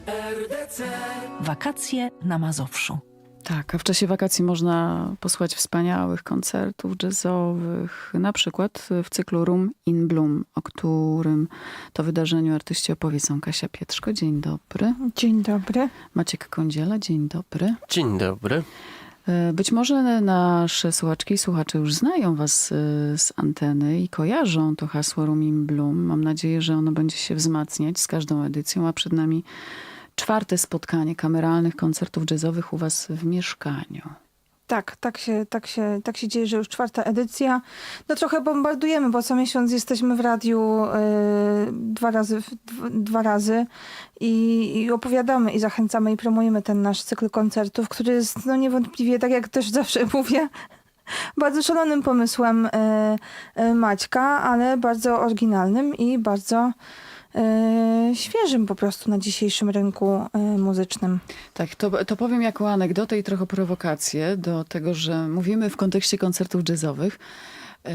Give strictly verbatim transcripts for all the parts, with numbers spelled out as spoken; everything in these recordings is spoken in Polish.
Wakacje na Mazowszu. Tak, a w czasie wakacji można posłuchać wspaniałych koncertów jazzowych, na przykład w cyklu Room in Bloom, o którym to wydarzeniu artyści opowiedzą Kasia Pietrzko. Dzień dobry. Dzień dobry. Maciek Kądziela. Dzień dobry. Dzień dobry. Być może nasze słuchaczki i słuchacze już znają was z anteny i kojarzą to hasło Room in Bloom. Mam nadzieję, że ono będzie się wzmacniać z każdą edycją, a przed nami czwarte spotkanie kameralnych koncertów jazzowych u was w mieszkaniu. Tak, tak się, tak się, tak się dzieje, że już czwarta edycja. No trochę bombardujemy, bo co miesiąc jesteśmy w radiu yy, dwa razy, dwa, dwa razy i, i opowiadamy i zachęcamy i promujemy ten nasz cykl koncertów, który jest no niewątpliwie, tak jak też zawsze mówię, bardzo szalonym pomysłem yy, yy, Maćka, ale bardzo oryginalnym i bardzo Yy, świeżym po prostu na dzisiejszym rynku yy, muzycznym. Tak, to, to powiem jako anegdotę i trochę prowokację do tego, że mówimy w kontekście koncertów jazzowych. Yy,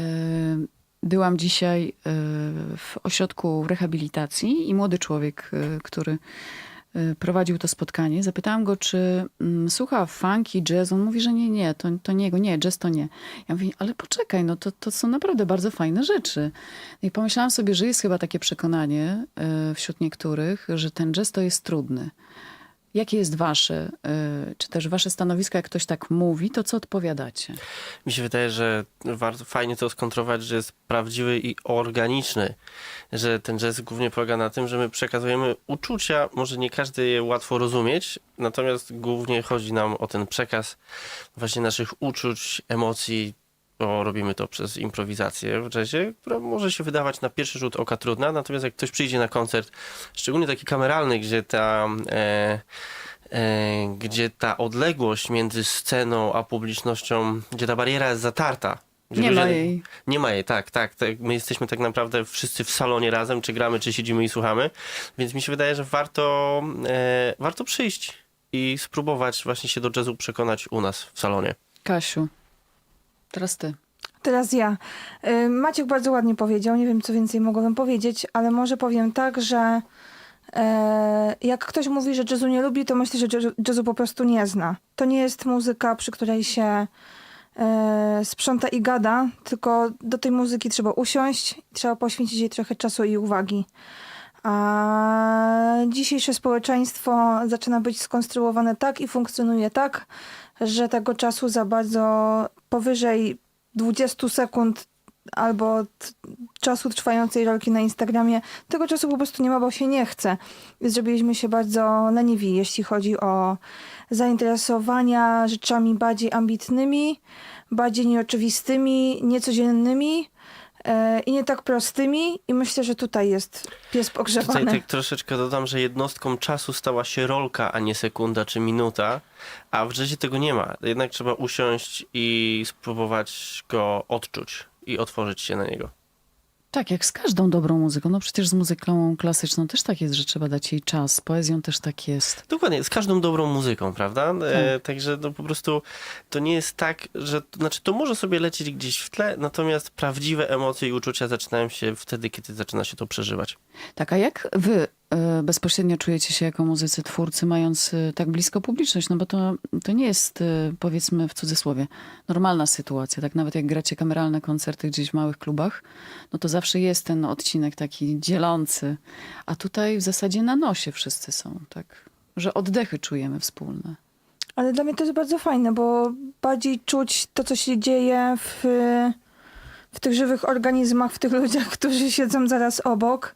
byłam dzisiaj yy, w ośrodku rehabilitacji i młody człowiek, yy, który yy, prowadził to spotkanie, zapytałam go, czy mm, słucha funky, jazz. On mówi, że nie, nie, to, to nie, nie, jazz to nie. Ja mówię, ale poczekaj, no to, to są naprawdę bardzo fajne rzeczy. No i pomyślałam sobie, że jest chyba takie przekonanie yy, wśród niektórych, że ten jazz to jest trudny. Jakie jest wasze, yy, czy też wasze stanowisko, jak ktoś tak mówi, to co odpowiadacie? Mi się wydaje, że warto fajnie to skontrować, że jest prawdziwy i organiczny. Że ten jazz głównie polega na tym, że my przekazujemy uczucia, może nie każdy je łatwo rozumieć, natomiast głównie chodzi nam o ten przekaz właśnie naszych uczuć, emocji, bo robimy to przez improwizację w jazzie, która może się wydawać na pierwszy rzut oka trudna, natomiast jak ktoś przyjdzie na koncert, szczególnie taki kameralny, gdzie ta, e, e, gdzie ta odległość między sceną a publicznością, gdzie ta bariera jest zatarta. Gdzie Nie ludzie, ma jej. Nie ma jej, tak, tak, tak. My jesteśmy tak naprawdę wszyscy w salonie razem, czy gramy, czy siedzimy i słuchamy, więc mi się wydaje, że warto, e, warto przyjść i spróbować właśnie się do jazzu przekonać u nas w salonie. Kasiu, teraz ty. Teraz ja. Yy, Maciek bardzo ładnie powiedział, nie wiem co więcej mogłabym powiedzieć, ale może powiem tak, że yy, jak ktoś mówi, że jazzu nie lubi, to myślę, że jazzu, jazzu po prostu nie zna. To nie jest muzyka, przy której się yy, sprząta i gada, tylko do tej muzyki trzeba usiąść, trzeba poświęcić jej trochę czasu i uwagi. A dzisiejsze społeczeństwo zaczyna być skonstruowane tak i funkcjonuje tak, że tego czasu za bardzo powyżej dwudziestu sekund albo t- czasu trwającej rolki na Instagramie, tego czasu po prostu nie ma, bo się nie chce. Więc zrobiliśmy się bardzo leniwi, jeśli chodzi o zainteresowania rzeczami bardziej ambitnymi, bardziej nieoczywistymi, niecodziennymi e, i nie tak prostymi. I myślę, że tutaj jest pies pogrzebany. Tutaj tak troszeczkę dodam, że jednostką czasu stała się rolka, a nie sekunda czy minuta, a w jazzie tego nie ma. Jednak trzeba usiąść i spróbować go odczuć i otworzyć się na niego. Tak, jak z każdą dobrą muzyką. No przecież z muzyką klasyczną też tak jest, że trzeba dać jej czas. Z poezją też tak jest. Dokładnie, z każdą dobrą muzyką, prawda? E, także to po prostu to nie jest tak, że znaczy to może sobie lecieć gdzieś w tle, natomiast prawdziwe emocje i uczucia zaczynają się wtedy, kiedy zaczyna się to przeżywać. Tak, a jak wy y, bezpośrednio czujecie się jako muzycy, twórcy, mając y, tak blisko publiczność? No bo to, to nie jest, y, powiedzmy w cudzysłowie, normalna sytuacja. Tak nawet jak gracie kameralne koncerty gdzieś w małych klubach, no to zawsze jest ten odcinek taki dzielący. A tutaj w zasadzie na nosie wszyscy są, tak? Że oddechy czujemy wspólne. Ale dla mnie to jest bardzo fajne, bo bardziej czuć to, co się dzieje w, w tych żywych organizmach, w tych ludziach, którzy siedzą zaraz obok.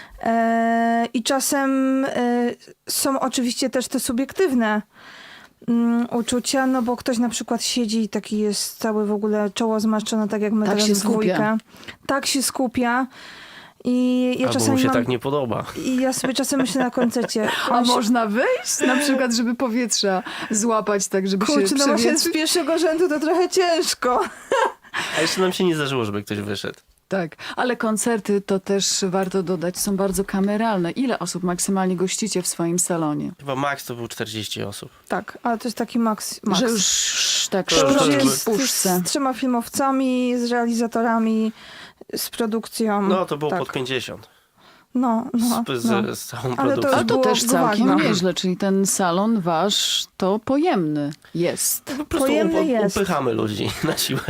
E, I czasem e, są oczywiście też te subiektywne mm, uczucia, no bo ktoś na przykład siedzi i taki jest cały w ogóle czoło zmarszczone, tak jak my Tak teraz się w dwójkę. skupia. Tak się skupia. I ja Albo czasami mu się mam, tak nie podoba. I ja sobie czasem myślę na koncercie. A on się- można wyjść na przykład, żeby powietrza złapać tak, żeby Kurczę, się no właśnie przewietrzyć? z pierwszego rzędu to trochę ciężko. A jeszcze nam się nie zdarzyło, żeby ktoś wyszedł. Tak, ale koncerty to też warto dodać, są bardzo kameralne. Ile osób maksymalnie gościcie w swoim salonie? Chyba maks to był czterdzieści osób. Tak, ale to jest taki maks. maks. Że już tak To To już już sztuczki jest w puszce. z trzema filmowcami, z realizatorami, z produkcją. No to było tak. pod pięćdziesiąt. No, no, z, no. z, z całą Ale to produkcją. A już to było też całkiem ważne. nieźle, czyli ten salon wasz to pojemny jest. Po prostu Pojemny up, jest. upychamy ludzi na siłę.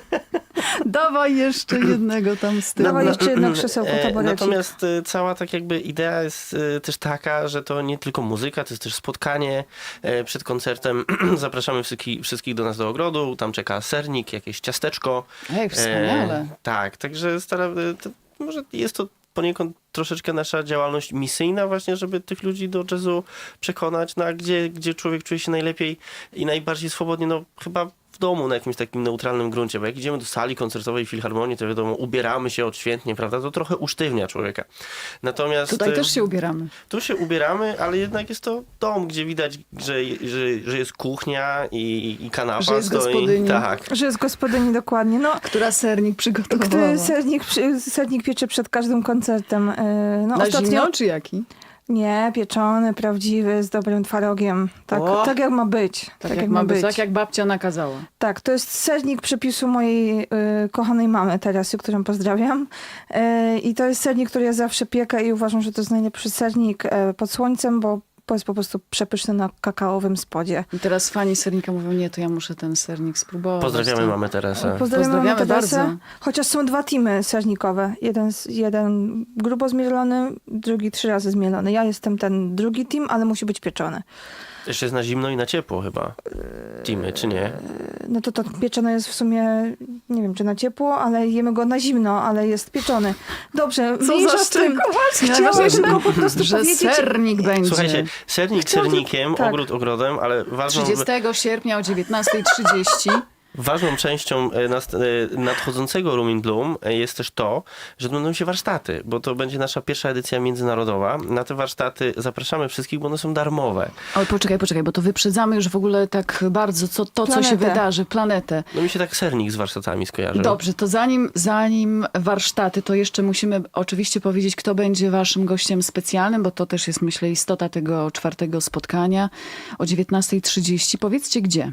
Dawaj jeszcze jednego tam z tyłu. Dawaj jeszcze jedno krzesełko, E, taborecik. Natomiast e, cała tak jakby idea jest e, też taka, że to nie tylko muzyka, to jest też spotkanie e, przed koncertem. Zapraszamy wszystkich, wszystkich do nas do ogrodu, tam czeka sernik, jakieś ciasteczko. Ej, wspaniale. E, tak, także staramy, to, może jest to poniekąd troszeczkę nasza działalność misyjna właśnie, żeby tych ludzi do jazzu przekonać, no a gdzie, gdzie człowiek czuje się najlepiej i najbardziej swobodnie, no chyba w domu na jakimś takim neutralnym gruncie, bo jak idziemy do sali koncertowej filharmonii, to wiadomo, ubieramy się odświętnie, prawda, to trochę usztywnia człowieka. Natomiast Tutaj e, też się ubieramy. tu się ubieramy, ale jednak jest to dom, gdzie widać, że, że, że jest kuchnia i, i kanapa Że jest stoi. gospodyni. Tak. Że jest gospodyni dokładnie. No, Która sernik przygotowała. który sernik, przy- sernik piecze przed każdym koncertem. Yy, No, Na ostatnio... zimno czy jaki? Nie, pieczony, prawdziwy, z dobrym twarogiem. Tak, O! tak jak ma być. Tak, jak ma być, tak jak babcia nakazała. Tak, to jest sernik przepisu mojej y, kochanej mamy Teresy, którą pozdrawiam. Y, I to jest sernik, który ja zawsze piekę i uważam, że to jest najlepszy sernik y, pod słońcem, bo bo jest po prostu przepyszny na kakaowym spodzie. I teraz fani sernika mówią, nie, to ja muszę ten sernik spróbować. Pozdrawiamy to... mamę Teresę. Pozdrawiamy, mamy Pozdrawiamy Teresę. bardzo. Chociaż są dwa teamy sernikowe. Jeden, z- jeden grubo zmielony, drugi trzy razy zmielony. Ja jestem ten drugi team, ale musi być pieczony. Jeszcze jest na zimno i na ciepło chyba. Teamy, czy nie? No to to pieczone jest w sumie, nie wiem czy na ciepło, ale jemy go na zimno, ale jest pieczony. Dobrze, Co mniejsza za z tym. szczegół. Chciałam tylko po prostu że powiedzieć... sernik będzie. Słuchajcie, sernik Chciałam tylko- sernikiem, tak. ogród ogrodem, ale ważną, trzydziestego sierpnia o dziewiętnasta trzydzieści. ważną częścią e, nas- e, nadchodzącego Room in Bloom e, jest też to, że odbędą się warsztaty, bo to będzie nasza pierwsza edycja międzynarodowa. Na te warsztaty zapraszamy wszystkich, bo one są darmowe. Ale poczekaj, poczekaj, bo to wyprzedzamy już w ogóle tak bardzo co, to, co się Planetę. wydarzy, planetę. No mi się tak sernik z warsztatami skojarzył. Dobrze, to zanim, zanim warsztaty, to jeszcze musimy oczywiście powiedzieć, kto będzie waszym gościem specjalnym, bo to też jest, myślę, istota tego czwartego spotkania o dziewiętnasta trzydzieści. Powiedzcie gdzie.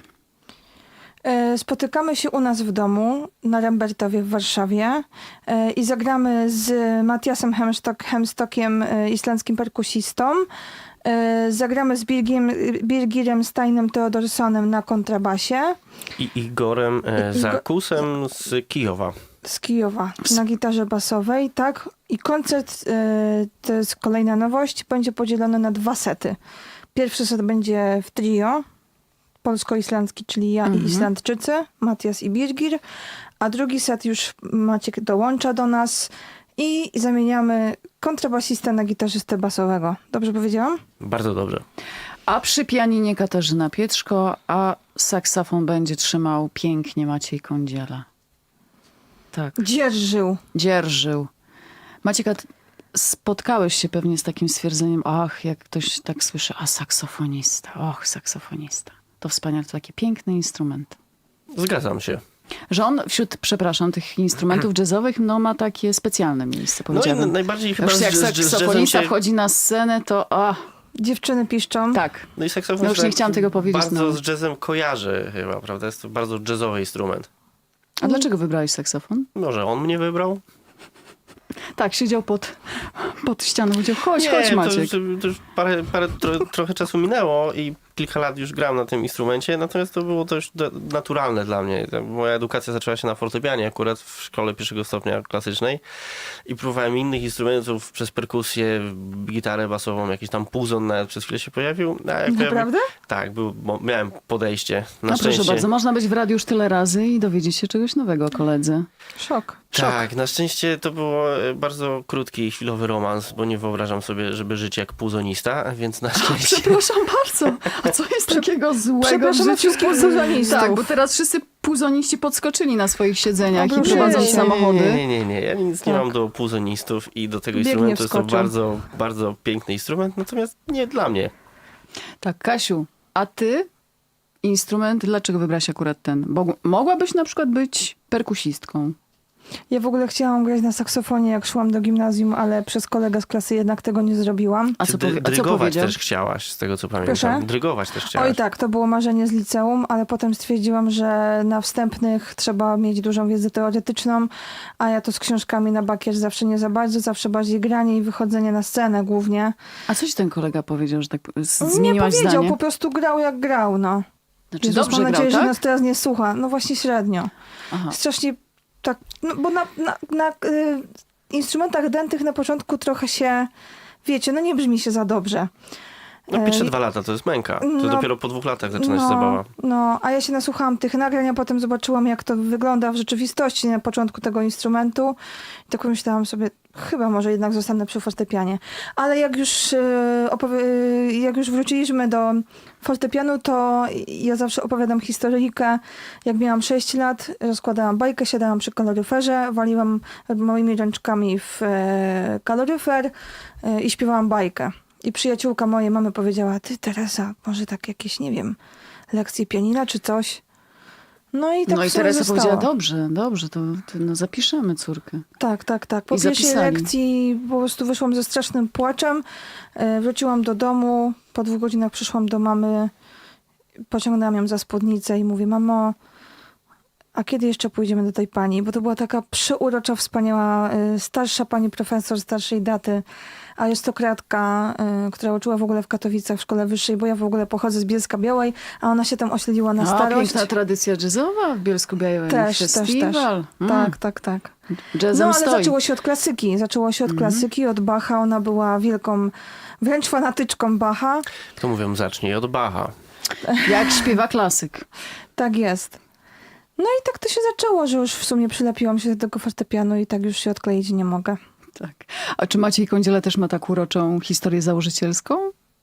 E, Spotykamy się u nas w domu na Rembertowie w Warszawie e, i zagramy z Matiasem Hemstock, Hemstockiem, e, islandzkim perkusistą. E, Zagramy z Birgiem, Birgirem Steinem Theodorsonem na kontrabasie I Igorem e, I- Igo- Zarkusem z Kijowa. z Kijowa na gitarze basowej, tak. I koncert, e, to jest kolejna nowość, będzie podzielony na dwa sety. Pierwszy set będzie w trio, polsko-islandzki, czyli ja Mhm. i Islandczycy, Matias i Birgir, a drugi set już Maciek dołącza do nas i zamieniamy kontrabasistę na gitarzystę basowego. Dobrze powiedziałam? Bardzo dobrze. A przy pianinie Katarzyna Pietrzko, a saksofon będzie trzymał pięknie Maciej Kądziela. Tak, Dzierżył. dzierżył. Maciek, a ty spotkałeś się pewnie z takim stwierdzeniem, ach, jak ktoś tak słyszy, a saksofonista, och, saksofonista. To wspaniale, to taki piękny instrument. Zgadzam się. Że on wśród, przepraszam, tych instrumentów jazzowych, no ma takie specjalne miejsce, No i powiedziałabym. n- najbardziej chyba Już jak z, z, z jazzem saksofonista się... wchodzi na scenę, to a, Dziewczyny piszczą. tak. No i saksofon No już się nie tak chciałam tego powiedzieć, bardzo no. z jazzem kojarzy chyba, prawda? Jest to bardzo jazzowy instrument. A dlaczego wybrałeś saksofon? Może on mnie wybrał? Tak, siedział pod, pod ścianą, powiedział, chodź, Nie, chodź to, Maciek. to, to już parę, parę tro, trochę czasu minęło i kilka lat już gram na tym instrumencie, natomiast to było dość do, naturalne dla mnie. Moja edukacja zaczęła się na fortepianie akurat w szkole pierwszego stopnia klasycznej i próbowałem innych instrumentów przez perkusję, gitarę basową, jakiś tam puzon nawet przez chwilę się pojawił. A jak Naprawdę? Pojawi... Tak, był, bo miałem podejście. Na No szczęście. proszę bardzo, można być w radiu już tyle razy i dowiedzieć się czegoś nowego o koledze. Szok. Tak, na szczęście to było e, bardzo krótki i chwilowy romans, bo nie wyobrażam sobie, żeby żyć jak puzonista, więc na szczęście... Przepraszam bardzo, a co jest takiego złego w Przepraszamy życiu wszystkich puzonistów. Tak, bo teraz wszyscy puzoniści podskoczyli na swoich siedzeniach i Obruszyli prowadzą się. samochody. Nie, nie, nie, nie. Ja nic nie Tak. mam do puzonistów i do tego Biegnie instrumentu. Jest to wskoczył. bardzo, bardzo piękny instrument, natomiast nie dla mnie. Tak, Kasiu, a ty instrument, dlaczego wybrałaś akurat ten? Bo mogłabyś na przykład być perkusistką. Ja w ogóle chciałam grać na saksofonie, jak szłam do gimnazjum, ale przez kolegę z klasy jednak tego nie zrobiłam. A Czy co, dy- powie- a co drygować powiedział? też chciałaś, z tego co pamiętam. Proszę? Drygować też chciałaś. Oj tak, to było marzenie z liceum, ale potem stwierdziłam, że na wstępnych trzeba mieć dużą wiedzę teoretyczną, a ja to z książkami na bakier zawsze nie za bardzo, zawsze bardziej granie i wychodzenie na scenę głównie. A co ci ten kolega powiedział, że tak z- Nie zmieniłaś powiedział, zdanie? po prostu grał jak grał, no. Znaczy Jezus, dobrze mam nadzieję, grał, że tak? nas teraz nie słucha. No właśnie średnio. Aha. Strasznie tak, no bo na, na, na y, instrumentach dętych na początku trochę się, wiecie, no nie brzmi się za dobrze. No pierwsze E, dwa lata to jest męka. To no, dopiero po dwóch latach zaczyna się zabawa. No, a ja się nasłuchałam tych nagrań, a potem zobaczyłam, jak to wygląda w rzeczywistości na początku tego instrumentu. I tak pomyślałam sobie, chyba może jednak zostanę przy fortepianie. Ale jak już, e, opowie- e, jak już wróciliśmy do fortepianu, to ja zawsze opowiadam historyjkę. Jak miałam sześć lat, rozkładałam bajkę, siadałam przy kaloryferze, waliłam moimi ręczkami w e, kaloryfer e, i śpiewałam bajkę. I przyjaciółka mojej mamy powiedziała, ty Teresa, może tak jakieś, nie wiem, lekcje pianina czy coś. No i tak No i w sumie Teresa zostało. powiedziała, dobrze, dobrze, to, to no zapiszemy córkę. Tak, tak, tak. Po I pierwszej zapisali. lekcji po prostu wyszłam ze strasznym płaczem. E, Wróciłam do domu, po dwóch godzinach przyszłam do mamy, pociągnęłam ją za spódnicę i mówię, mamo, a kiedy jeszcze pójdziemy do tej pani? Bo to była taka przyurocza, wspaniała, e, starsza pani profesor starszej daty, arystokratka, y, która uczyła w ogóle w Katowicach w szkole wyższej, bo ja w ogóle pochodzę z Bielska Białej, a ona się tam osiedliła na A, starość. piękna tradycja jazzowa w Bielsku-Białej. Też, też, też. Festiwal. Mm. Tak, tak, tak. Jazzem No ale stoi. zaczęło się od klasyki. Zaczęło się od klasyki, od Bacha. Ona była wielką, wręcz fanatyczką Bacha. To mówią, zacznij od Bacha. Jak śpiewa klasyk. Tak jest. No i tak to się zaczęło, że już w sumie przylepiłam się do tego fortepianu i tak już się odkleić nie mogę. Tak. A czy Maciej Kądziela też ma tak uroczą historię założycielską?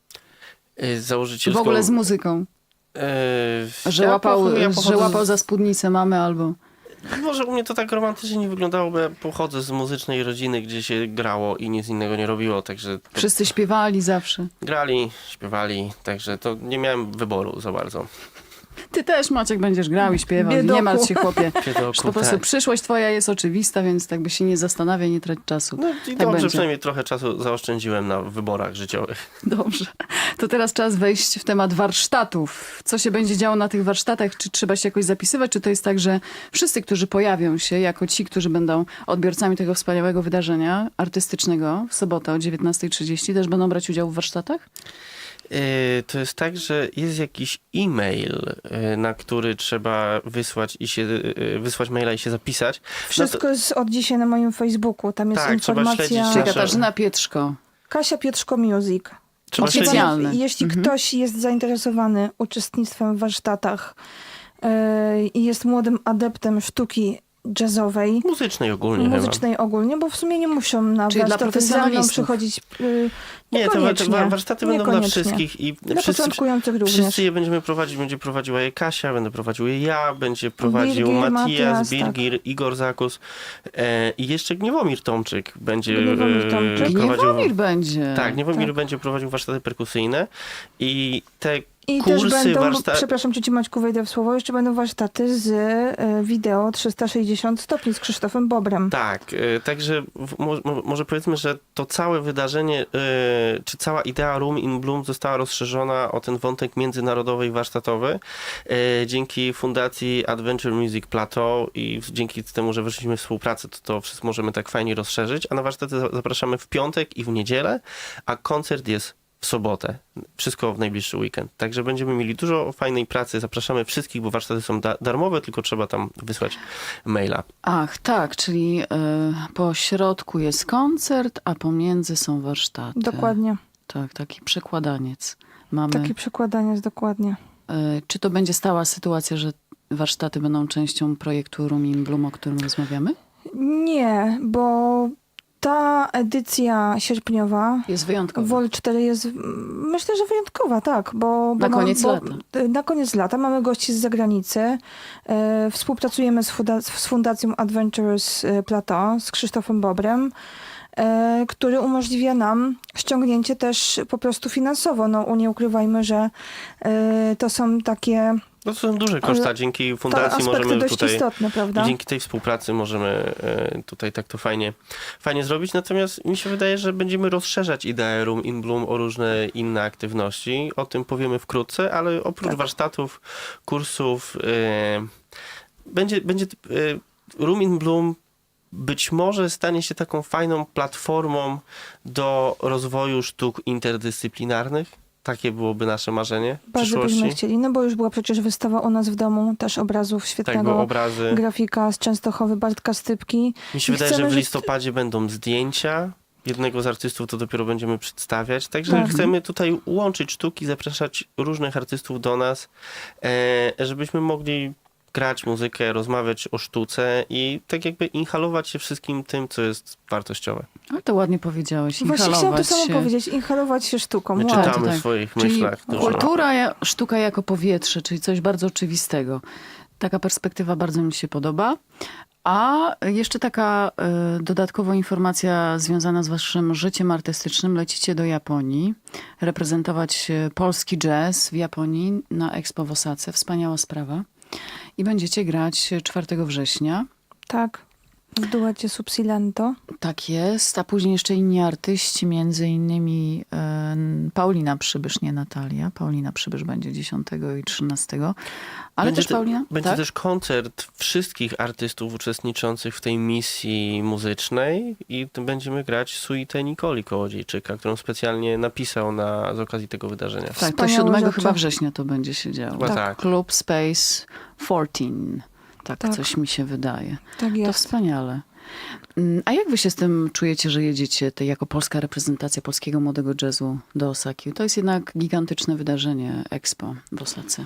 Yy, W Założycielską... ogóle z muzyką. Yy, Że, ja łapał, pochodzę- ja że pochodzę łapał z- za spódnicę mamy albo... Może u mnie to tak romantycznie nie wyglądało, bo ja pochodzę z muzycznej rodziny, gdzie się grało i nic innego nie robiło, także to Wszyscy śpiewali zawsze. grali, śpiewali, także to nie miałem wyboru za bardzo. Ty też, Maciek, będziesz grał i śpiewał. Biedoku. Nie martw się, chłopie. Biedoku, Po prostu tak. przyszłość twoja jest oczywista, więc tak by się nie zastanawiaj, nie trać czasu. No i tak dobrze, będzie. przynajmniej trochę czasu zaoszczędziłem na wyborach życiowych. Dobrze. To teraz czas wejść w temat warsztatów. Co się będzie działo na tych warsztatach? Czy trzeba się jakoś zapisywać? Czy to jest tak, że wszyscy, którzy pojawią się jako ci, którzy będą odbiorcami tego wspaniałego wydarzenia artystycznego w sobotę o dziewiętnasta trzydzieści, też będą brać udział w warsztatach? Yy, To jest tak, że jest jakiś e-mail, yy, na który trzeba wysłać i się yy, wysłać maila i się zapisać. Wszystko jest od dzisiaj na moim Facebooku. Tam jest Tak, trzeba informacja. śledzić Czyli nasze- Katarzyna Pietrzko. Kasia Pietrzko Music. Trzeba Jeśli, śledzić, Oficjalne. jeśli Mhm. ktoś jest zainteresowany uczestnictwem w warsztatach yy, i jest młodym adeptem sztuki jazzowej, muzycznej ogólnie chyba. muzycznej ogólnie, bo w sumie nie muszą na Czyli dla warsztaty ze mną profesjonalistów. przychodzić. Yy, Nie, to, to niekoniecznie. wa- warsztaty będą dla Niekoniecznie. wszystkich i Dla wszyscy, początkujących również. wszyscy je będziemy prowadzić. Będzie prowadziła je Kasia, będę prowadził je ja, będzie prowadził Birgir, Matias, Matias, Birgir, Igor Zakus e, i jeszcze Gniewomir Tomczyk będzie Gniewomir e, Tomczyk. prowadził... Gniewomir będzie. Tak, Gniewomir Tak. będzie prowadził warsztaty perkusyjne i te I kursy, też będą, warszta- przepraszam Cię Maćku, wejdę w słowo, jeszcze będą warsztaty z y, wideo trzysta sześćdziesiąt stopni z Krzysztofem Bobrem. Tak, e, także w, mo, mo- może powiedzmy, że to całe wydarzenie, e, czy cała idea Room in Bloom została rozszerzona o ten wątek międzynarodowy i warsztatowy e, dzięki fundacji Adventure Music Plateau i w- dzięki temu, że weszliśmy w współpracę, to to wszystko możemy tak fajnie rozszerzyć, a na warsztaty za- zapraszamy w piątek i w niedzielę, a koncert jest w sobotę. Wszystko w najbliższy weekend. Także będziemy mieli dużo fajnej pracy. Zapraszamy wszystkich, bo warsztaty są da- darmowe, tylko trzeba tam wysłać maila. Ach, tak, czyli y, po środku jest koncert, a pomiędzy są warsztaty. Dokładnie. Tak, taki przekładaniec. Mamy. Takie przekładanie jest dokładnie. Y, czy to będzie stała sytuacja, że warsztaty będą częścią projektu Room in Bloom, o którym rozmawiamy? Nie, bo ta edycja sierpniowa Jest wyjątkowa. W O L cztery jest, mm, myślę, że wyjątkowa, tak. Bo, Na bo koniec bo, lata. Na koniec lata mamy gości z zagranicy. E, współpracujemy z, funda- z Fundacją Adventures Plateau, z Krzysztofem Bobrem, e, który umożliwia nam ściągnięcie też po prostu finansowo. No, nie ukrywajmy, że e, to są takie No to są duże koszta. Ale Dzięki To fundacji aspekty możemy dość tutaj... istotne, prawda? I dzięki tej współpracy możemy e, tutaj tak to fajnie, fajnie zrobić. Natomiast mi się wydaje, że będziemy rozszerzać ideę Room in Bloom o różne inne aktywności. O tym powiemy wkrótce, ale oprócz Tak. warsztatów, kursów, e, będzie, będzie e, Room in Bloom być może stanie się taką fajną platformą do rozwoju sztuk interdyscyplinarnych. Takie byłoby nasze marzenie w Bardzo byśmy przyszłości. chcieli, no bo już była przecież wystawa u nas w domu też obrazów Tak, bo świetnego obrazy. grafika z Częstochowy, Bartka Stypki. Mi się I wydaje, że chcemy, w że- listopadzie będą zdjęcia. Jednego z artystów to dopiero będziemy przedstawiać. Także Tak. chcemy tutaj łączyć sztuki, zapraszać różnych artystów do nas, e, żebyśmy mogli grać muzykę, rozmawiać o sztuce i tak jakby inhalować się wszystkim tym, co jest wartościowe. Ale to ładnie powiedziałeś. Właśnie chciałam to Inhalować samo się. powiedzieć, inhalować się sztuką. My Wow. czytamy tak. w swoich Czyli myślach dużo. kultura, ja- sztuka jako powietrze, czyli coś bardzo oczywistego. Taka perspektywa bardzo mi się podoba. A jeszcze taka y, dodatkowa informacja związana z waszym życiem artystycznym. Lecicie do Japonii, reprezentować y, polski jazz w Japonii na Expo w Osace. Wspaniała sprawa. I będziecie grać czwartego września. Tak, w duecie Subsilento. Tak jest, a później jeszcze inni artyści, między innymi e, Paulina Przybysz, nie Natalia. Paulina Przybysz będzie dziesiątego i trzynastego. Ale Będzie też te- Paulina? Będzie tak? też koncert wszystkich artystów uczestniczących w tej misji muzycznej i t- będziemy grać suitę Nikoli Kołodziejczyka, którą specjalnie napisał na, z okazji tego wydarzenia. Tak, to Wspaniałe siódmego rzeczy. chyba września to będzie się działo. Chyba tak. Club Space czternaście. Tak, Tak. coś mi się wydaje. Tak To jest. wspaniale. Mm, A jak wy się z tym czujecie, że jedziecie te, jako polska reprezentacja polskiego młodego jazzu do Osaki? To jest jednak gigantyczne wydarzenie Expo w Osace.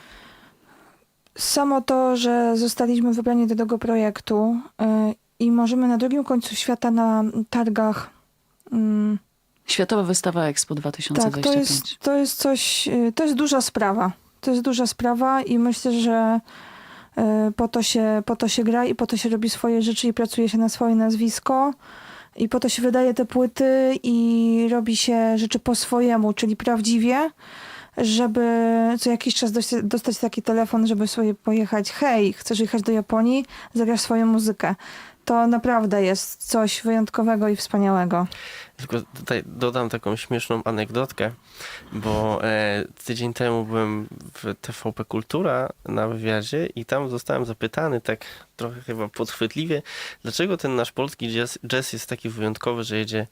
Samo to, że zostaliśmy wybrani do tego projektu y, i możemy na drugim końcu świata na targach. mm, Światowa wystawa Expo dwa tysiące tak, dwadzieścia to pięć. jest, to jest coś, y, to jest duża sprawa. To jest duża sprawa i myślę, że y, po to się, po to się gra i po to się robi swoje rzeczy i pracuje się na swoje nazwisko. I po to się wydaje te płyty i robi się rzeczy po swojemu, czyli prawdziwie, żeby co jakiś czas dość- dostać taki telefon, żeby sobie pojechać. Hej, chcesz jechać do Japonii? Zagrasz swoją muzykę. To naprawdę jest coś wyjątkowego i wspaniałego. Tylko tutaj dodam taką śmieszną anegdotkę, bo e, tydzień temu byłem w T V P Kultura na wywiadzie i tam zostałem zapytany tak trochę chyba podchwytliwie, dlaczego ten nasz polski jazz, jazz jest taki wyjątkowy, że jedzie,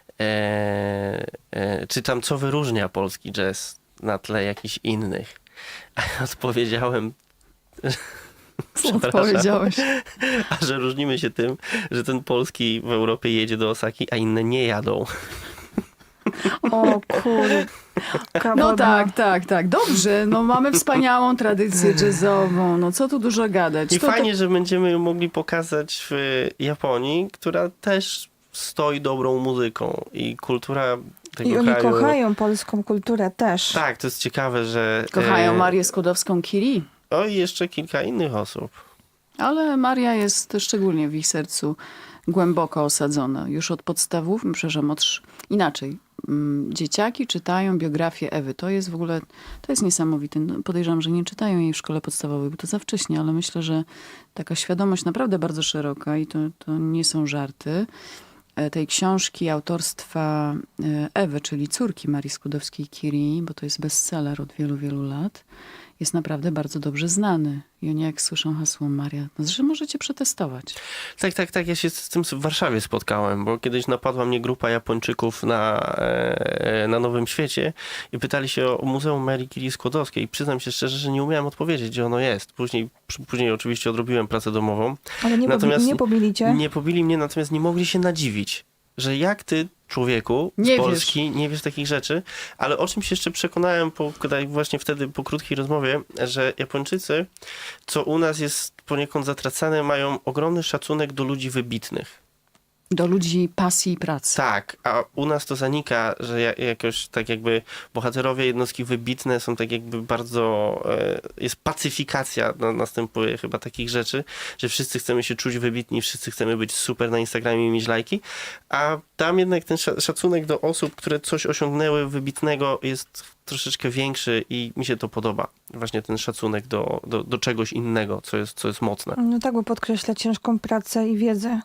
e, e, czy tam co wyróżnia polski jazz na tle jakichś innych. A ja odpowiedziałem, Co przepraszam, odpowiedziałeś? a że różnimy się tym, że ten polski w Europie jedzie do Osaki, a inne nie jadą. O kurde. No tak, tak, tak. Dobrze, no mamy wspaniałą tradycję jazzową. No co tu dużo gadać. I To, fajnie, że będziemy ją mogli pokazać w Japonii, która też stoi dobrą muzyką i kultura tego I oni kraju. kochają polską kulturę też. Tak, to jest ciekawe, że... To kochają e, Marię Skłodowską-Curie. O, i jeszcze kilka innych osób. Ale Maria jest szczególnie w ich sercu głęboko osadzona. Już od podstawów, przepraszam, od, sz- inaczej. Mm, Dzieciaki czytają biografię Ewy. To jest w ogóle, to jest niesamowite. No, podejrzewam, że nie czytają jej w szkole podstawowej, bo to za wcześnie, ale myślę, że taka świadomość naprawdę bardzo szeroka i to, to nie są żarty. E, Tej książki autorstwa e, Ewy, czyli córki Marii Skłodowskiej-Curie, bo to jest bestseller od wielu, wielu lat, jest naprawdę bardzo dobrze znany. I oni jak słyszą hasło Maria, no że możecie przetestować. Tak, tak, tak. Ja się z tym w Warszawie spotkałem, bo kiedyś napadła mnie grupa Japończyków na, e, na Nowym Świecie i pytali się o Muzeum Marii Curie Skłodowskiej. I przyznam się szczerze, że nie umiałem odpowiedzieć, gdzie ono jest. Później, później oczywiście odrobiłem pracę domową. Ale nie, Natomiast pobi- nie pobili cię. Nie pobili mnie, natomiast nie mogli się nadziwić, że jak ty, człowieku z Nie Polski, nie wiesz takich rzeczy, ale o czym się jeszcze przekonałem po, tutaj właśnie wtedy po krótkiej rozmowie, że Japończycy, co u nas jest poniekąd zatracane, mają ogromny szacunek do ludzi wybitnych. Do ludzi pasji i pracy. Tak, a u nas to zanika, że ja- jakoś tak jakby bohaterowie jednostki wybitne są tak jakby bardzo, e, jest pacyfikacja, no, następuje chyba takich rzeczy, że wszyscy chcemy się czuć wybitni, wszyscy chcemy być super na Instagramie i mieć lajki, a tam jednak ten sza- szacunek do osób, które coś osiągnęły wybitnego jest troszeczkę większy i mi się to podoba. Właśnie ten szacunek do, do, do czegoś innego, co jest, co jest mocne. No tak, bo podkreśla ciężką pracę i wiedzę.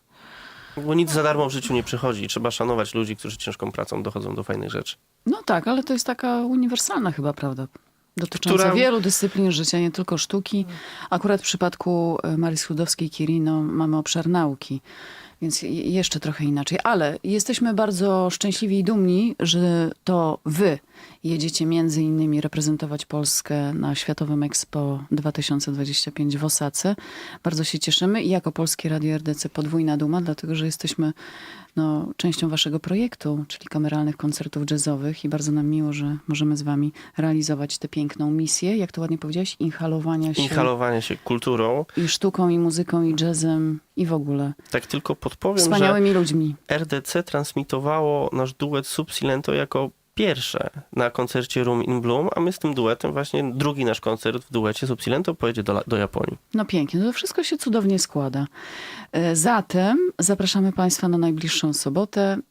Bo nic za darmo w życiu nie przychodzi. Trzeba szanować ludzi, którzy ciężką pracą dochodzą do fajnych rzeczy. No tak, ale to jest taka uniwersalna chyba prawda. Dotycząca Która- wielu dyscyplin życia, nie tylko sztuki. Akurat w przypadku e, Marii Skłodowskiej-Curie no, mamy obszar nauki, więc je- jeszcze trochę inaczej. Ale jesteśmy bardzo szczęśliwi i dumni, że to wy jedziecie między innymi reprezentować Polskę na Światowym Expo dwa tysiące dwudziestym piątym w Osace. Bardzo się cieszymy i jako Polskie Radio R D C podwójna duma, dlatego że jesteśmy no, częścią waszego projektu, czyli kameralnych koncertów jazzowych i bardzo nam miło, że możemy z wami realizować tę piękną misję, jak to ładnie powiedziałeś, inhalowania się Inhalowanie się kulturą. i sztuką, i muzyką, i jazzem, i w ogóle. Tak tylko podpowiem, Wspaniałymi ludźmi. że R D C transmitowało nasz duet Subsilento jako pierwsze na koncercie Room in Bloom, a my z tym duetem właśnie drugi nasz koncert w duecie Subsilento pojedzie do, La- do Japonii. No pięknie, no to wszystko się cudownie składa. E, Zatem zapraszamy Państwa na najbliższą sobotę, e,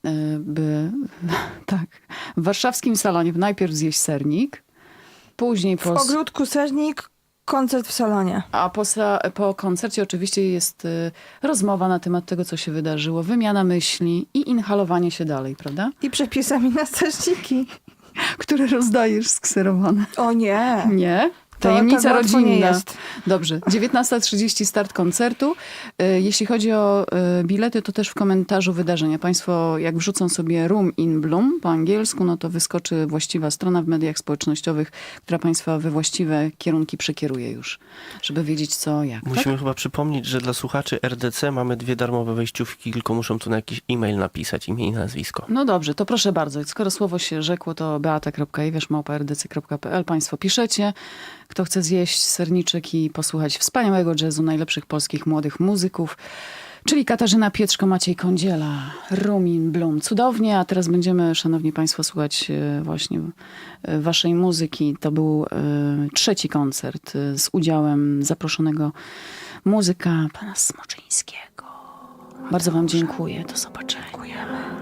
by tak, w warszawskim salonie najpierw zjeść sernik, później W po, ogródku Sernik, koncert w salonie. a po, sa- po koncercie oczywiście jest e, rozmowa na temat tego, co się wydarzyło, wymiana myśli i inhalowanie się dalej, prawda? I przepisami na strażniki. Które rozdajesz skserowane. O nie. Nie? To Tajemnica tak łatwo nie rodzinna. jest. Dobrze. dziewiętnasta trzydzieści start koncertu. E, Jeśli chodzi o e, bilety, to też w komentarzu wydarzenia. Państwo jak wrzucą sobie Room in Bloom po angielsku, no to wyskoczy właściwa strona w mediach społecznościowych, która Państwa we właściwe kierunki przekieruje już, żeby wiedzieć co, jak. Tak? Musimy chyba przypomnieć, że dla słuchaczy R D C mamy dwie darmowe wejściówki, tylko muszą tu na jakiś e-mail napisać, imię i nazwisko. No dobrze, to proszę bardzo. Skoro słowo się rzekło, to beata kropka iwiesz małpa r d c kropka p l. Państwo piszecie. Kto chce zjeść serniczek i posłuchać wspaniałego jazzu najlepszych polskich młodych muzyków, czyli Katarzyna Pietrzko, Maciej Kądziela, Room in Bloom. Cudownie, a teraz będziemy, szanowni państwo, słuchać e, właśnie e, waszej muzyki. To był e, trzeci koncert e, z udziałem zaproszonego muzyka pana Smoczyńskiego. Bardzo wam dziękuję. Do zobaczenia.